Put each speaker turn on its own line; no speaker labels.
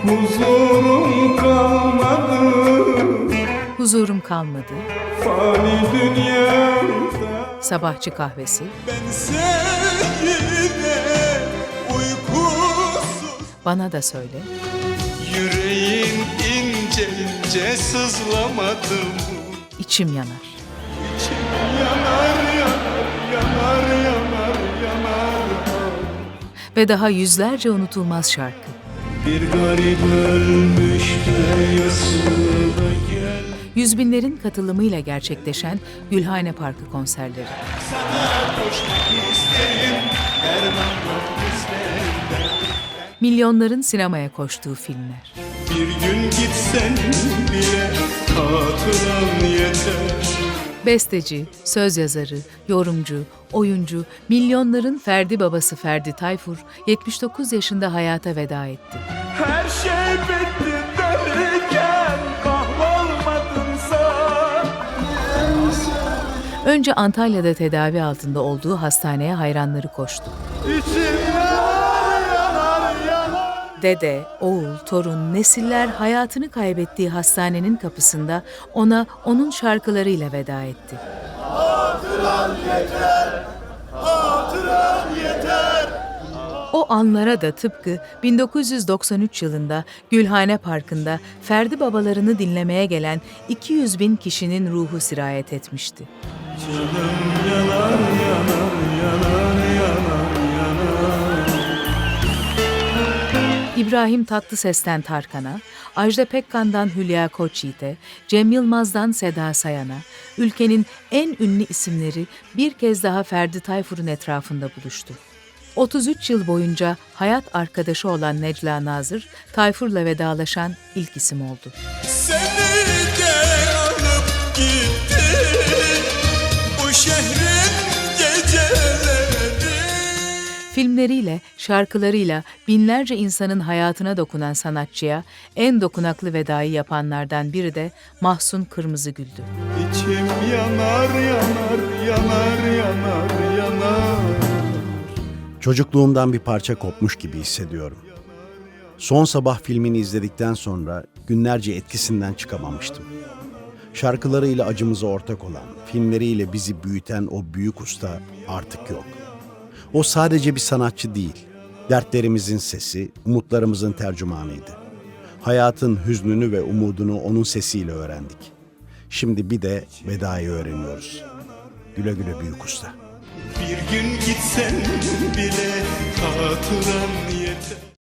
Huzurum kalmadı,
Huzurum kalmadı.
fani dünyamda.
Sabahçı kahvesi.
Ben sevgide uykusuz,
Bana da söyle.
yüreğin ince ince sızlamadı mı?
İçim yanar.
İçim yanar yanar yanar yanar yanar.
Ve daha yüzlerce unutulmaz şarkı.
Bir garip ölmüş de yasına gel.
Yüz binlerin katılımıyla gerçekleşen Gülhane Parkı konserleri.
Sana koşmak isterim, derman yok bizlerde.
Milyonların sinemaya koştuğu filmler.
Bir gün gitsen bile hatıran yeter.
Besteci, söz yazarı, yorumcu, oyuncu, milyonların ferdi babası Ferdi Tayfur 79 yaşında hayata veda etti.
Her şey bitti derken kahvolmadın sen.
Önce Antalya'da tedavi altında olduğu hastaneye hayranları koştu.
İçim yanar yanar yanar.
Dede, oğul, torun, nesiller hayatını kaybettiği hastanenin kapısında ona onun şarkılarıyla veda etti.
Hatıran yeter, hatıran yeter.
O anlara da tıpkı 1993 yılında Gülhane Parkı'nda Ferdi babalarını dinlemeye gelen 200 bin kişinin ruhu sirayet etmişti.
Canım yanar yanar yanar yanar yanar.
İbrahim Tatlıses'ten Tarkan'a, Ajda Pekkan'dan Hülya Koçyiğit'e, Cem Yılmaz'dan Seda Sayan'a, ülkenin en ünlü isimleri bir kez daha Ferdi Tayfur'un etrafında buluştu. 33 yıl boyunca hayat arkadaşı olan Necla Nazır, Tayfur'la vedalaşan ilk isim oldu.
Seni de alıp gitti bu şehrin geceleri.
Filmleriyle, şarkılarıyla binlerce insanın hayatına dokunan sanatçıya en dokunaklı vedayı yapanlardan biri de Mahsun Kırmızıgül'dü.
İçim yanar yanar yanar yanar yanar.
Çocukluğumdan bir parça kopmuş gibi hissediyorum. Son Sabah filmini izledikten sonra günlerce etkisinden çıkamamıştım. Şarkılarıyla acımıza ortak olan, filmleriyle bizi büyüten o büyük usta artık yok. O sadece bir sanatçı değil, dertlerimizin sesi, umutlarımızın tercümanıydı. Hayatın hüznünü ve umudunu onun sesiyle öğrendik. Şimdi bir de vedayı öğreniyoruz. Güle güle büyük usta.
Bir gün gitsen bile hatıran yeter.